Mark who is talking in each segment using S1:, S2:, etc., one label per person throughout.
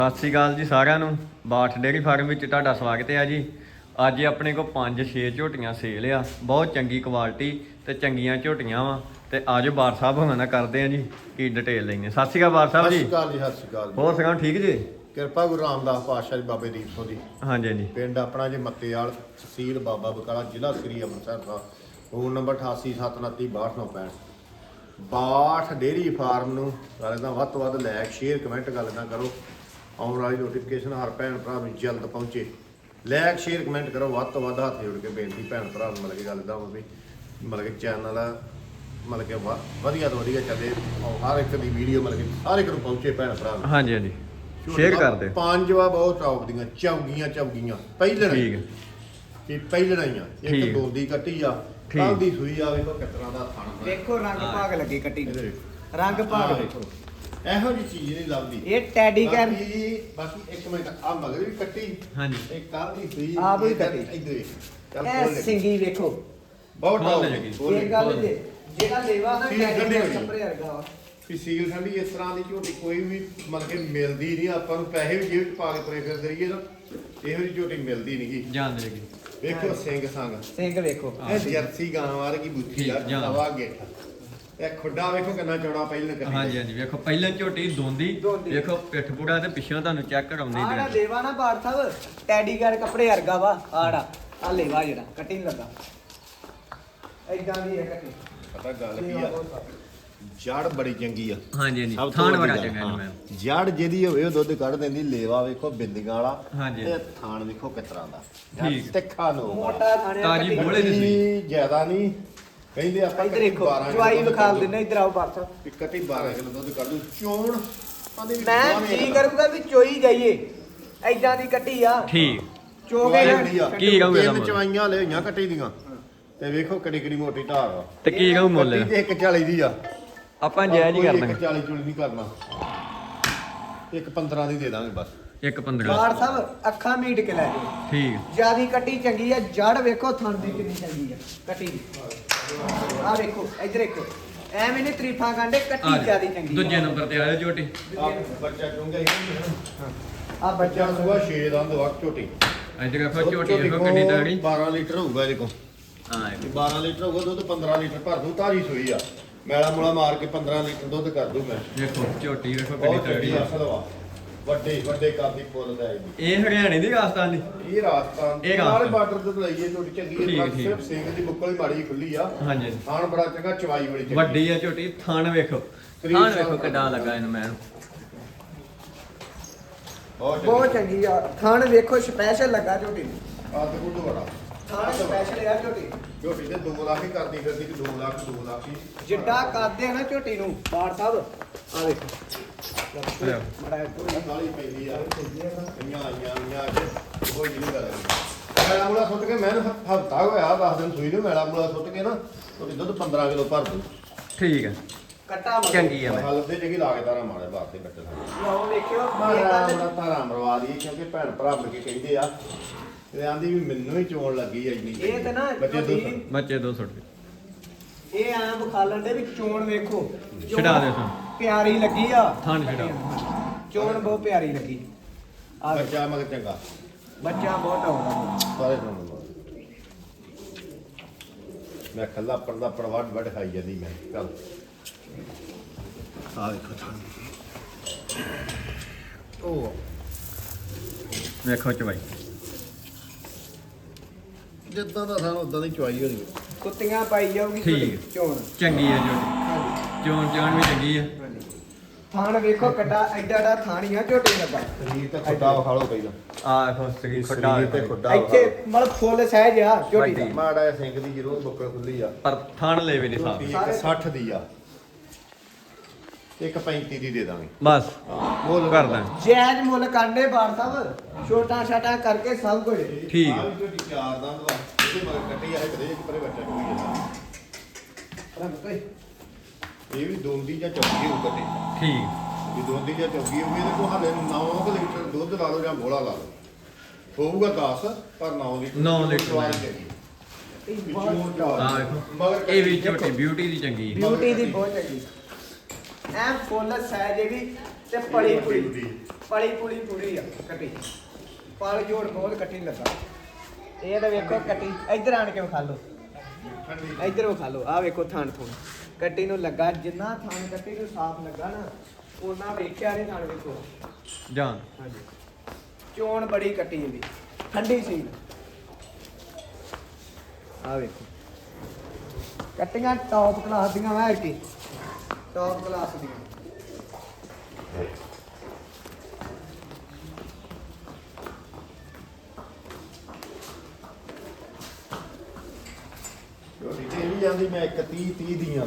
S1: ਸਤਿ ਸ਼੍ਰੀ ਅਕਾਲ ਜੀ ਸਾਰਿਆਂ ਨੂੰ। ਬਾਠ ਡੇਅਰੀ ਫਾਰਮ ਵਿੱਚ ਤੁਹਾਡਾ ਸਵਾਗਤ ਹੈ ਜੀ। ਅੱਜ ਆਪਣੇ ਕੋਲ 5-6 ਝੋਟੀਆਂ ਸੇਲ ਆ, ਬਹੁਤ ਚੰਗੀ ਕੁਆਲਿਟੀ ਤੇ ਚੰਗੀਆਂ ਝੋਟੀਆਂ ਵਾ। ਤੇ ਆਜੋ ਬਾਰ ਸਾਹਿਬ ਹੋਣਾ ਨਾਲ ਕਰਦੇ ਆ ਜੀ ਕੀ ਡਿਟੇਲ ਲੈਣੇ। ਸਤਿ ਸ਼੍ਰੀ ਅਕਾਲ ਬਾਰ ਸਾਹਿਬ ਜੀ।
S2: ਸਤਿ ਸ਼੍ਰੀ ਅਕਾਲ ਜੀ। ਸਤਿ ਸ਼੍ਰੀ ਅਕਾਲ।
S1: ਹੋਰ ਸੁਣਾਓ, ਠੀਕ ਜੀ?
S2: ਕਿਰਪਾ ਗੁਰੂ ਰਾਮਦਾਸ ਪਾਤਸ਼ਾਹ ਜੀ ਬਾਬੇ ਦੀਪ ਸਿੰਘ ਦੀ।
S1: ਹਾਂਜੀ ਹਾਂਜੀ।
S2: ਪਿੰਡ ਆਪਣਾ ਜੀ ਮੱਤੇਵਾਲ, ਤਹਿਸੀਲ ਬਾਬਾ ਬਕਾਲਾ, ਜ਼ਿਲ੍ਹਾ ਸ੍ਰੀ ਅੰਮ੍ਰਿਤਸਰ ਦਾ। Phone number 8879362965। Bath dairy farm ਨੂੰ ਸਾਰੇ ਦਾ ਵੱਧ ਤੋਂ ਵੱਧ ਲਾਇਕ ਸ਼ੇਅਰ ਕਮੈਂਟ ਗੱਲ ਨਾ ਕਰੋ। ਆਉਣ ਵਾਲੀ ਨੋਟੀਫਿਕੇਸ਼ਨ ਹਰ ਭੈਣ ਭਰਾ ਨੂੰ ਜਲਦ ਪਹੁੰਚੇ। ਲਾਇਕ ਸ਼ੇਅਰ ਕਮੈਂਟ ਕਰੋ ਵੱਧ ਤੋਂ ਵੱਧ। ਹੱਥ ਜੋੜ ਕੇ ਬੇਨਤੀ ਭੈਣ ਭਰਾ ਨੂੰ ਮਤਲਬ ਕਿ ਗੱਲ ਦਾ ਹੋਵੇ ਮਤਲਬ ਕਿ ਚੈਨਲ ਮਤਲਬ ਕਿ ਵਧੀਆ ਤੋਂ ਵਧੀਆ ਚੱਲੇ। ਹਰ ਇੱਕ ਦੀ ਵੀਡੀਓ ਮਤਲਬ ਕਿ ਹਰ ਇੱਕ ਨੂੰ ਪਹੁੰਚੇ ਭੈਣ ਭਰਾ ਨੂੰ।
S1: ਹਾਂਜੀ ਹਾਂਜੀ, ਸ਼ੇਅਰ ਕਰ ਦਿਓ।
S2: ਪੰਜ ਵਾ ਬਹੁਤ ਟੌਪ ਦੀਆਂ ਚੌਗੀਆਂ ਪਹਿਲਣ।
S1: ਠੀਕ ਹੈ
S2: ਇਹ ਪਹਿਲਣ ਆਈਆਂ।
S1: ਠੀਕ।
S2: ਇੱਕ ਦੋਂਦੀ ਕੱਟੀ ਆ, ਕੱਲ ਦੀ ਸੂਈ ਆ। ਵੇਖੋ ਕਿਸ ਤਰ੍ਹਾਂ ਦਾ ਥਣ
S3: ਦੇਖੋ ਰੰਗ ਭਾਗ ਲੱਗੇ ਕੱਟੀ ਨੂੰ। ਰੰਗ ਭਾਗ ਦੇਖੋ,
S2: ਇਹੋ ਜਿਹੀ ਚੀਜ਼ ਨਹੀਂ ਲੱਭਦੀ।
S3: ਇਹ ਟੈਡੀ ਕਰ
S2: ਬਾਕੀ ਇੱਕ ਮਿੰਟ ਆ ਮਗਰ ਵੀ ਕੱਟੀ।
S1: ਹਾਂਜੀ।
S2: ਇਹ ਕੱਲ ਦੀ ਸੂਈ
S3: ਆ ਵੀ ਕੱਟੀ।
S2: ਇੱਧਰ ਚੱਲ
S3: ਇਹ
S2: ਖੋਲ ਲੈ।
S3: ਸਿੰਗੀ ਵੇਖੋ।
S2: ਬਹੁਤ
S1: ਖੋਲ
S2: ਟੌਪ
S1: ਲੈ
S2: ਦੀ।
S1: ਜੀ।
S2: ਖੋਲ ਲੈ।
S3: ਇਹ ਗੱਲ ਜੇ ਜਿਹੜਾ ਲੇਵਾ ਨਾ
S2: ਸੀਲ ਕੱਢੀ
S3: ਟੈਡੀ
S2: ਹੋਈ।
S3: ਕੱਪੜੇ ਵਰਗਾ ਵਾ।
S2: ਵੀ ਸੀਲ ਠੰਡੀ ਇਸ ਤਰ੍ਹਾਂ ਦੀ ਝੋਟੀ ਕੋਈ ਵੀ ਮਤਲਬ ਕਿ ਮਿਲਦੀ ਨਹੀਂ। ਆਪਾਂ ਨੂੰ ਪੈਸੇ ਵੀ ਜੇਬ 'ਚ ਪਾ ਕੇ ਤੁਰੇ ਫਿਰਦੇ ਰਹੀਏ ਨਾ, ਇਹੋ ਜਿਹੀ ਝੋਟੀ ਮਿਲਦੀ ਨਹੀਂ।
S1: ਜਾਣਦੇ ਜੀ।
S2: ਵੇਖੋ ਸਿੰਘ ਸੰਗ
S3: ਸਿੰਗ ਵੇਖੋ।
S2: ਇਹ ਜਰਸੀ ਗਾਂ ਵਰਗੀ ਬੁੱਥੀ ਆ।
S1: ਜਾਣ।
S2: ਨਵਾਂ ਗੇਠਾ। ਇਹ ਖੁੱਡਾ ਵੇਖੋ ਕਿੰਨਾ ਚੌੜਾ ਪਹਿਲਾਂ ਕੱਟੀ।
S1: ਹਾਂਜੀ ਹਾਂਜੀ, ਵੇਖੋ ਪਹਿਲਾਂ ਝੋਟੀ ਦੋਂਦੀ, ਵੇਖੋ ਪਿੱਠ ਪੂੜਾ ਤੇ ਪਿੱਛੋਂ ਤੁਹਾਨੂੰ ਚੈੱਕ ਕਰਾਉਂਦੀ
S3: ਆੜਾ
S1: ਦੇ।
S3: ਲੇਵਾ ਨਾ ਬਾੜ ਸਾਹਿਬ ਟੈਡੀ ਕਰ ਕੱਪੜੇ ਵਰਗਾ ਵਾ। ਆੜਾ ਆ ਲੇਵਾ ਜਿਹੜਾ ਕੱਟੀ ਨਹੀਂ ਲੱਗਾ ਏਦਾਂ ਦੀ ਹੈ ਕੱਟੀ।
S2: ਪਤਾ ਗੱਲ ਕੀ ਆ, ਜੜ ਬੜੀ ਚੰਗੀ ਆ।
S1: ਹਾਂਜੀ ਹਾਂਜੀ,
S2: ਸਭ ਤੋਂ
S1: ਥਾਣ
S2: ਵੱਡੀ
S1: ਬੜਾ
S2: ਗੱਲ,
S1: ਚੰਗਾ
S2: ਹਾਂ।
S1: ਜੀ ਮੈਂ।
S2: ਜੜ ਜਿਹਦੀ ਹੋਵੇ ਉਹ ਦੁੱਧ ਕੱਢ ਦਿੰਦੀ। ਲੇਵਾ ਵੇਖੋ ਬਿੰਦੀਆਂ ਵਾਲਾ।
S1: ਹਾਂਜੀ।
S2: ਤੇ ਥਾਣ ਵੇਖੋ ਕਿਸ ਤਰ੍ਹਾਂ ਦਾ।
S1: ਠੀਕ।
S2: ਤਿੱਖਾ ਨੋ
S3: ਮੋਟਾ ਖਾਣੇ
S1: ਤਾਜੀ ਬੋਲੇ ਦੀ ਸੂਈ।
S2: ਜ਼ਿਆਦਾ ਨਹੀਂ ਕਹਿੰਦੇ ਆਪਾਂ।
S3: ਇੱਧਰ ਦੇਖੋ ਜਵਾਈ ਵਿਖਾਲ ਦਿੰਦੇ। ਇੱਧਰ ਆਓ ਬਾੜ ਸਾਹਿਬ।
S2: ਇੱਕ ਕੱਟੀ 12 ਕਿਲੋ ਦੁੱਧ ਕੱਢ ਦੂ। ਚੋਣ ਉਹਦੇ ਵਿੱਚ
S3: ਮੈਂ
S2: ਦੋਵੇਂ
S3: ਕੀ
S2: ਗੱਲਾਂ।
S3: ਕਰੂੰਗਾ ਵੀ ਚੋਈ ਜਾਈਏ। ਏਦਾਂ ਦੀ ਕੱਟੀ ਆ।
S1: ਠੀਕ।
S3: ਚੋਗੇ
S2: ਚਵਾਈ ਜਿਹੜੀ ਆ,
S1: ਕੀ ਕਹੂੰ ਇਹਦਾ
S2: ਤਿੰਨ
S1: ਮੁੱਲ?
S2: ਚਵਾਈਆਂ ਲੈ ਹੋਈਆਂ ਕੱਟੀ ਦੀਆਂ। ਤੇ ਵੇਖੋ ਕਿੱਡੀ ਮੋਟੀ ਧਾਰ ਆ।
S1: ਤੇ ਕੀ ਕਹੂੰ ਮੁੱਲ?
S2: ਕੱਟੀ ਤੇ 140 ਦੀ ਆ।
S1: ਆਪਾਂ ਜਾਇਜ਼ ਹੀ ਕਰ ਦਾਂਗੇ।
S2: 140 ਚੁਲੀ ਨਹੀਂ ਕਰਨਾ। 115 ਦੀ ਦੇ ਦਾਂਗੇ ਬਸ।
S1: 1-15।
S3: ਬਾੜ ਸਾਹਿਬ ਅੱਖਾਂ ਮੀਟ ਕੇ ਲੈ ਜਾਓ।
S1: ਠੀਕ।
S3: ਜਿਆਦੀ ਕੱਟੀ ਚੰਗੀ ਆ। ਜੜ ਵੇਖੋ ਥਣ ਦੀ ਕਿੰਨੀ ਚੰਗੀ ਆ ਕੱਟੀ ਦੀ। ਆ ਵੇਖੋ ਇੱਧਰ ਦੇਖੋ ਐਵੇਂ ਨਹੀਂ ਤਰੀਫਾਂ ਕਾਂਡੇ। ਕੱਟੀ ਜਿਆਦੀ ਚੰਗੀ
S1: ਦੂਜੇ ਨੰਬਰ ਤੇ ਆਇਆ ਝੋਟੀ।
S2: ਆ ਬੱਚਾ ਚੁੰਗਾ ਹੀ
S3: ਆ
S2: ਬੱਚਾ ਸੁਬਾ 6 ਦਾ ਦਵਕ ਝੋਟੀ।
S1: ਅੱਜ ਦੇਖੋ ਝੋਟੀ ਦੇਖੋ ਕਿੰਨੀ ਤਗੜੀ।
S2: 12 ਲੀਟਰ ਹੋਊਗਾ ਇਹਦੇ ਕੋਲ।
S1: ਹਾਂ
S2: 12 ਲੀਟਰ ਹੋਊਗਾ ਦੁੱਧ। 15 ਲੀਟਰ ਭਰ ਦੂ। ਤਾਜੀ ਸੂਈ ਆ। ਮੈਲਾ ਮੂਲਾ ਮਾਰ ਕੇ 15 ਲੀਟਰ ਦੁੱਧ ਕਰ ਦੂ ਮੈਂ।
S1: ਦੇਖੋ ਝੋਟੀ ਦੇਖੋ ਕਿੰਨੀ
S2: ਬਹੁਤ
S1: ਤਗੜੀ
S2: ਚੰਗੀ
S1: ਆ।
S2: ਅਸਲ ਵਾ। ਵੱਡੇ ਕਾਦੀ ਫੁੱਲ ਦਾ ਇਹਦੀ।
S1: ਇਹ ਹਰਿਆਣੇ ਦੀ ਰਾਜਸਥਾਨ ਦੀ।
S2: ਇਹ ਰਾਜਸਥਾਨ
S1: ਇਹ
S2: ਨਾਲ
S1: ਰਾਜਸਥਾਨ।
S2: ਬਾਰਡਰ ਤੇ ਲਈਏ ਝੋਟੀ ਚੰਗੀ
S1: ਠੀਕ,
S2: ਹੈ।
S1: ਠੀਕ।
S2: ਸਿਰਫ ਸਿੰਘ ਦੀ ਬੁੱਕਲ ਹੀ ਮਾੜੀ ਖੁੱਲੀ ਆ।
S1: ਹਾਂਜੀ।
S2: ਖਾਣ ਬੜਾ ਚੰਗਾ, ਚਵਾਈ ਬੜੀ ਚੰਗੀ।
S1: ਵੱਡੀ ਆ ਝੋਟੀ। ਥਣ ਵੇਖੋ, ਥਣ ਵੇਖੋ ਕਿੱਡਾ ਲੱਗਾ ਇਹਨੂੰ ਮੈਂ।
S3: ਬਹੁਤ ਚੰਗੀ ਆ। ਥਣ ਵੇਖੋ ਸਪੈਸ਼ਲ ਲੱਗਾ ਝੋਟੀ ਨੂੰ।
S2: ਆ ਤੇ ਕੁੱਟ ਬੜਾ।
S3: ਥਣ ਸਪੈਸ਼ਲ ਆ ਝੋਟੀ।
S2: ਝੋਟੀ ਤੇ 2 ਲੱਖ ਹੀ ਕਰਦੀ ਫਿਰਦੀ ਕਿ 2 ਲੱਖ ਹੀ।
S3: ਜਿੱਡਾ ਕਰਦੇ ਆ ਨਾ ਝੋਟੀ ਨੂੰ ਬਾੜ ਸਾਹਿਬ ਆ ਵੇਖੋ। ਬੜਾ
S2: ਕਾਲੀ ਪੈਂਦੀ ਆ। ਇੰਨੀਆਂ ਆਈਆਂ ਅੱਜ ਕੋਈ ਨਹੀਂ ਗੱਲ। ਮੈਲਾ ਮੂਲਾ ਸੁੱਟ ਕੇ ਮੈਂ ਹਫਤਾ ਹੋਇਆ 10 ਦਿਨ ਸੂਈ ਨੂੰ। ਮੈਲਾ ਮੂਲਾ ਸੁੱਟ ਕੇ ਨਾ ਤੁਹਾਡੀ ਦੁੱਧ 15 ਕਿਲੋ ਭਰ ਦੂ।
S1: ਠੀਕ ਹੈ,
S3: ਕੱਟਾ ਮਗਰ।
S1: ਚੰਗੀ ਆ ਮੈਂ।
S2: ਹਲ ਦੇ ਜਿਹੜੀ ਲਾ ਕੇ ਤਾਰਾ ਮਾਰੇ ਬਾਹਰ ਤੇ ਕੱਟੇ ਸਾਡੇ।
S3: ਲਓ ਵੇਖਿਓ ਇਹ
S2: ਮਾਰਾ
S3: ਗੱਲ
S2: ਬੜਾ ਤਾਰਾ ਮਰਵਾ ਦੀ। ਕਿਉਂਕਿ ਭੈਣ ਭਰਾ ਮਿਲ ਕੇ ਕਹਿੰਦੇ ਆ ਤੇ ਆਂਦੀ ਵੀ ਮੈਨੂੰ ਹੀ ਚੋਣ ਲੱਗੀ ਐ ਇੰਨੀ।
S3: ਇਹ ਤੇ ਨਾ
S2: ਬੱਚੇ ਦੁੱਧ।
S3: ਝੋਟੀ
S1: ਬੱਚੇ 200 ਰੁਪਏ।
S3: ਇਹ ਐਂ ਬਖਾਲਣ ਦੇ ਵੀ ਚੋਣ ਵੇਖੋ।
S1: ਛਡਾ ਦੇ ਤੂੰ।
S3: ਪਿਆਰੀ ਲੱਗੀ ਆ।
S1: ਥਣ ਛਡਾ।
S3: ਚੋਣ ਬਹੁਤ ਪਿਆਰੀ ਲੱਗੀ ਆ ਵੇਖੋ।
S2: ਬੱਚਾ ਮਗਰ ਚੰਗਾ
S3: ਬੱਚਾ ਬਹੁਤ ਆਉਂਦਾ।
S2: ਸਾਰੇ ਸੁਣ ਮੈਂ ਖੱਲਾ ਪਰਦਾ ਪੜਵਾ ਵੱਡ ਖਾਈ ਜਾਂਦੀ ਮੈਂ। ਚੱਲ ਆ ਵੇਖੋ ਥਾਂ। ਉਹ
S1: ਵੇਖੋ ਚਵਾਈ।
S2: ਜਿੱਦਾਂ ਦਾ ਸਾਨੂੰ ਉਦਾਂ ਦੀ ਚੁਆਈ ਹੋਣੀ।
S3: ਕੁੱਤੀਆਂ ਪਾਈ ਜਾਊਗੀ
S1: ਠੀਕ।
S3: ਚੋਣ।
S1: ਚੰਗੀ ਆ ਝੋਟੀ।
S3: ਹਾਂਜੀ
S1: ਚੋਣ ਚਾਣ ਵੀ ਚੰਗੀ ਆ।
S3: ਹਾਂਜੀ। ਥਾਣ ਵੇਖੋ ਕੱਡਾ ਐਡਾ ਥਾਣੀ ਆ ਝੋਟੀ ਲੱਗਾ।
S2: ਸਰੀਰ ਤੇ ਖੁੱਡਾ ਵਿਖਾ ਲਓ ਪਹਿਲਾਂ।
S1: ਆ ਦੇਖੋ ਸਰੀਰ ਖੱਡਾ
S2: ਸਰੀਰ ਤੇ ਖੁੱਡਾ
S3: ਇੱਥੇ ਮਤਲਬ ਫੁੱਲ ਸਹਿਜ ਆ ਝੋਟੀ ਦਾ।
S1: ਵੱਡੀ।
S2: ਮਾੜਾ ਜਿਹਾ ਸਿੰਘ ਦੀ ਜ਼ਰੂਰ ਬੁੱਕਲ ਖੁੱਲੀ ਆ।
S1: ਪਰ ਥਣ ਲੈਵੇ ਨਹੀਂ ਸਾਫ।
S2: ਝੋਟੀ ਇੱਕ 60 ਦੀ ਆ। ਇੱਕ 35 ਦੀ ਦੇ ਦਾਂਗੇ।
S1: ਬਸ
S2: ਮੁੱਲ
S1: ਕਰਦਾ।
S3: ਜਾਇਜ਼ ਮੁੱਲ ਕਾਂਡੇ ਬਾੜ ਸਾਹਿਬ। ਛੋਟਾ ਛਾਟਾ ਕਰਕੇ ਸਭ ਕੁਝ।
S1: ਠੀਕ
S2: ਆ
S1: ਆ।
S2: ਵੀ ਝੋਟੀ 4 ਦੰਦ ਵਾ। ਇਹਦੇ ਮਗਰ ਕੱਟੀ ਆ ਕਦੇ ਇੱਕ ਪਰੇ ਬੱਚਾ ਚੁਗੀ ਜਾਂਦਾ। ਇਹ ਵੀ ਦੋਂਦੀ ਜਾਂ ਚੌਕੀ ਹੋਊ ਕੱਟੀ।
S1: ਠੀਕ।
S2: ਜੇ ਦੋਂਦੀ ਜਾਂ ਚੌਕੀ ਹੋਊਗੀ ਇਹਦੇ ਕੋਲ ਹਾਲੇ 9 ਲੀਟਰ ਦੁੱਧ ਲਾ ਲਓ ਜਾਂ ਬੋਲਾ ਲਾ ਲਓ। ਹੋਊਗਾ 10 ਪਰ 9 ਲੀਟਰ।
S1: 9 ਲੀਟਰ।
S2: ਚਵਾਈ ਹੈਗੀ।
S1: ਆ ਵੇਖੋ ਇਹ ਵੀ ਝੋਟੀ ਬਿਊਟੀ ਦੀ ਚੰਗੀ।
S3: ਬਿਊਟੀ ਦੀ ਬਹੁਤ ਚੰਗੀ। ਐ ਫੁੱਲ ਸਹਿਜ ਇਹ ਵੀ ਤੇ ਪਲੀ ਪੁਲੀ ਪੂਰੀ ਆ ਕੱਟੀ ਪਲ ਜੋੜ ਬਹੁਤ ਕੱਟੀ ਲੱਗਾ ਇਹ ਤਾਂ ਵੇਖੋ ਕੱਟੀ ਇੱਧਰ ਆਣ ਕੇ ਵਿਖਾ ਲਓ ਇੱਧਰ ਵਿਖਾ ਲਓ ਆ ਵੇਖੋ ਥਣ ਥੁਣ ਕੱਟੀ ਨੂੰ ਲੱਗਾ ਜਿੰਨਾ ਥਣ ਕੱਟੀ ਨੂੰ ਸਾਫ਼ ਲੱਗਾ ਨਾ ਉਹਨਾਂ ਵੇਖਿਆ ਨਹੀਂ ਥਣ ਵੇਖੋ
S1: ਜਾਨ
S3: ਹਾਂਜੀ ਚੋਣ ਬੜੀ ਕੱਟੀ ਇਹਦੀ ਠੰਡੀ ਸੀ ਆ ਵੇਖੋ ਕੱਟੀਆਂ ਟੌਪ ਕਲਾਸ ਦੀਆਂ ਮੈਂ ਕੀ ਟੌਪ ਕਲਾਸ ਦੀਆਂ
S2: ਝੋਟੀ ਤੇ ਵੀ ਜਾਂਦੀ ਮੈਂ 30 ਦੀਆਂ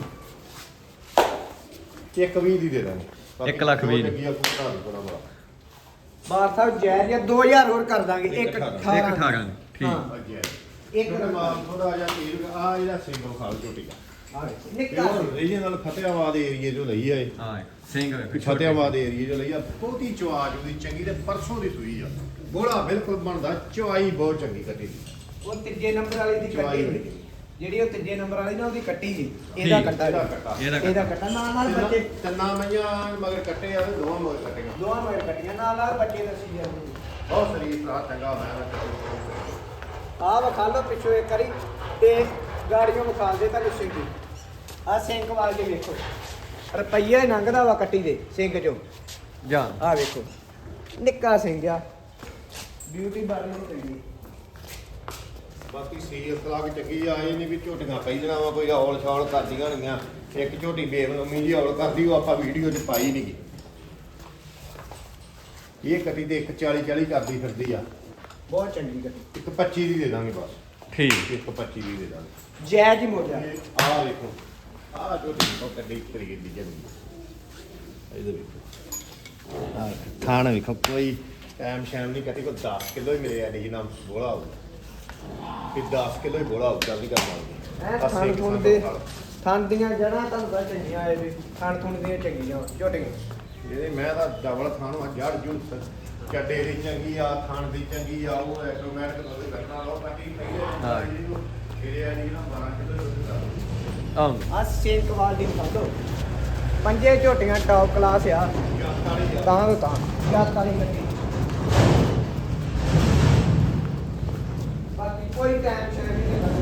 S2: 120 ਦੀ ਦੇ ਦਾਂਗੇ
S1: 1,20,000
S2: ਲੱਗੀ ਆ ਕੁੱਤਾ ਵੀ ਬੜਾ ਬੜਾ
S3: ਬਾਰ ਸਾਹਿਬ ਜਾਇਜ਼ ਆ 2000 ਹੋਰ ਕਰ ਦਾਂਗੇ 1
S1: 18
S3: 18
S1: ਠੀਕ
S2: ਅੱਗੇ
S3: ਇੱਕ
S2: ਇੱਕ ਮਾਲ ਥੋੜਾ ਜਿਹਾ ਤੀਰ ਆ ਇਹਦਾ ਸਿੰਗਲ ਖਾਲ ਝੋਟੀ ਦਾ
S3: ਨਿੱਕਾ
S2: ਇਹਦੇ ਨਾਲ ਫਤਿਆਬਾਦ ਏਰੀਏ ਚੋਂ ਲਈ ਆ ਇਹ
S1: ਹਾਂ ਸਿੰਘ ਵੇਖੋ
S2: ਫਤਿਆਬਾਦ ਏਰੀਏ ਚੋਂ ਲਈ ਆ ਬਹੁਤੀ ਚਵਾਜ ਉਹਦੀ ਚੰਗੀ ਤੇ ਪਰਸੋਂ ਦੀ ਸੂਈ ਆ ਬੋਲਾ ਬਿਲਕੁਲ ਬਣਦਾ ਚਵਾਈ ਬਹੁਤ ਚੰਗੀ ਕੱਟੀ ਦੀ
S3: ਉਹ ਤੀਜੇ ਨੰਬਰ ਵਾਲੀ ਦੀ
S2: ਚਵਾਈ
S3: ਕੱਟੀ
S2: ਬੜੀ।
S3: ਜਿਹੜੀ ਉਹ ਤੀਜੇ ਨੰਬਰ ਵਾਲੀ ਨਾ ਉਹਦੀ ਕੱਟੀ ਜੀ ਇਹਦਾ
S1: ਠੀਕ।
S3: ਕੱਟਾ
S2: ਇਹਦਾ
S3: ਜੀ।
S2: ਕੱਟਾ
S3: ਇਹਦਾ ਕੱਟਾ ਨਾਲ ਬੱਚੇ
S2: ਤਿੰਨਾਂ ਮਈਆਂ ਮਗਰ ਕੱਟੇ ਆ ਤੇ ਦੋਵਾਂ ਮਗਰ ਕੱਟੀਆਂ
S3: ਦੋਵਾਂ ਮਗਰ ਕੱਟੀਆਂ ਨਾਲ ਬੱਚੇ ਦੱਸੀ ਜਾਂਦੇ
S2: ਬਹੁਤ ਸਰੀਰ ਦਾ ਚੰਗਾ ਹੋਇਆ
S3: ਆ ਵਿਖਾ ਲਓ ਪਿੱਛੋਂ ਇੱਕ ਵਾਰੀ ਤੇ ਗਾੜੀਆਂ ਵਿਖਾ ਦੇ ਤੁਹਾਨੂੰ ਸਿੰਘ ਆ ਸਿੰਘ ਵਾਲ ਕੇ ਵੇਖੋ ਰੁਪਈਆ ਹੀ ਲੰਘਦਾ ਵਾ ਕੱਟੀ ਦੇ ਸਿੰਘ ਚੋਂ
S1: ਜਾਨ
S3: ਆ ਵੇਖੋ ਨਿੱਕਾ ਸਿੰਘ ਆ ਬਿਊਟੀ ਬਾਰੇ ਨੂੰ ਚੰਗੀ
S2: ਬਾਕੀ ਸੀਰੀਅਸ ਤਲਾਕ ਚੰਗੀ ਆ ਇਹ ਨਹੀਂ ਵੀ ਝੋਟੀਆਂ ਪਹਿਲਣਾ ਵਾ ਕੋਈ ਔਲ ਛੌਲ ਕਰਦੀਆਂ ਹੋਣਗੀਆਂ ਇੱਕ ਝੋਟੀ ਬੇਬਨਮੀ ਜੀ ਔਲ ਕਰਦੀ ਉਹ ਆਪਾਂ ਵੀਡੀਓ 'ਚ ਪਾਈ ਨਹੀਂ ਗੀ ਇਹ ਕੱਟੀ ਤੇ 140 ਕਰਦੀ ਫਿਰਦੀ ਆ
S3: ਬਹੁਤ ਚੰਗੀ ਕੱਟੀ
S2: 125 ਦੀ ਦੇ ਦਾਂਗੇ ਬਸ
S1: ਠੀਕ
S2: 125 ਦੀ ਦੇ ਦਾਂਗੇ
S3: ਜੈ ਜੀ ਮੋਜਾ
S2: ਆਹ ਦੇਖੋ ਆਹ ਝੋਟੀ ਬਹੁਤ ਕੱਢੀ ਤਰੀਕੇ ਦੀ ਜਮੀ ਇਹਦੇ ਵੇਖੋ ਆਹ ਥਾਣਾ ਵੇਖੋ ਕੋਈ ਟਾਈਮ ਸ਼ਾਮ ਨਹੀਂ ਕੱਟੀ ਕੋਈ 10 ਕਿਲੋ ਹੀ ਮਿਲਿਆ ਨਹੀਂ ਨਾ ਬੋਲਾ ਹੋਊ ਕਿ 10 ਕਿਲੋ ਹੀ ਬੋਲਾ ਹੋਊ ਨਹੀਂ ਕਰਨਾ
S3: ਥਣ ਥੁਣ ਦੇ ਥਣ ਦੀਆਂ ਜੜਾਂ ਤੁਹਾਨੂੰ ਤਾਂ ਚੰਗੀਆਂ ਆਏ ਵੀ ਥਣ ਥੁਣ ਦੀਆਂ ਚੰਗੀਆਂ ਝੋਟੀਆਂ
S2: ਜਿਹੜੇ ਮੈਂ ਤਾਂ ਡਬਲ ਥਾਣ ਆ ਜੜ ਜੁੜ ਚੱਡੇ ਦੀ ਚੰਗੀ ਆ ਥਾਣ ਦੀ ਚੰਗੀ ਆ ਉਹ ਆਟੋਮੈਟਿਕ ਉਹਦੇ ਕਰਨਾ ਲੋ ਕੱਟੀ
S1: ਹਾਂ।
S2: ਇਹਦੇ ਆ ਨਹੀਂ ਨਾ 12 ਕਿਲੋ ਦੁੱਧ
S1: ਆਉਂ
S3: ਆ ਸਿੰਘ ਵਾਲ ਦੀ ਵਿਖਾ ਲਓ ਪੰਜੇ ਝੋਟੀਆਂ ਟੌਪ ਕਲਾਸ ਆ ਤਾਂ ਤੋਂ ਤਾਂ ਜੱਤ ਵਾਲੀ ਕੱਟੀ ਬਾਕੀ ਕੋਈ ਟੈਨਸ਼ਨ ਨਹੀਂ ਹੈ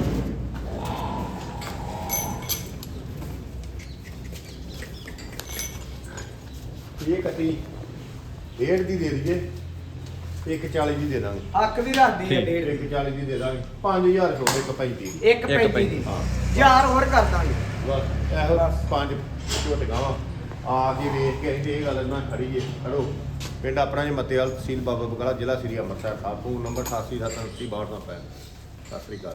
S2: ਇਹ ਕੱਟੀ 1.5 ਦੀ ਦੇ ਦਈਏ 140 ਦੀ ਦੇ ਦਾਂਗੇ
S3: ਹੱਕ ਵੀ ਰੱਖਦੀ ਹੈ
S1: ਠੀਕ।
S3: ਡੇਢ
S2: 140 ਦੀ ਦੇ ਦਾਂਗੇ 5000 ਛੋੜ 135 ਦੀ
S3: ਇੱਕ 35 ਦੀ ਯਾਰ ਹੋਰ ਕਰ ਦਾਂਗੇ
S2: ਬਸ ਇਹੋ ਪੰਜ ਝੋਟੀਆਂ ਵਾ ਆ ਕੇ ਵੇਖ ਕੇ ਅਸੀਂ ਇਹ ਗੱਲ ਨਾ ਖੜੀਏ ਖੜੋ ਪਿੰਡ ਆਪਣਾ ਜੀ ਮੱਤੇਵਾਲ ਤਹਿਸੀਲ ਬਾਬਾ ਬਕਾਲਾ ਜ਼ਿਲ੍ਹਾ ਸ੍ਰੀ ਅੰਮ੍ਰਿਤਸਰ ਸਾਹਿਬ ਫੋਨ ਨੰਬਰ 88 729 62 ਸਤਿ ਸ੍ਰੀ ਅਕਾਲ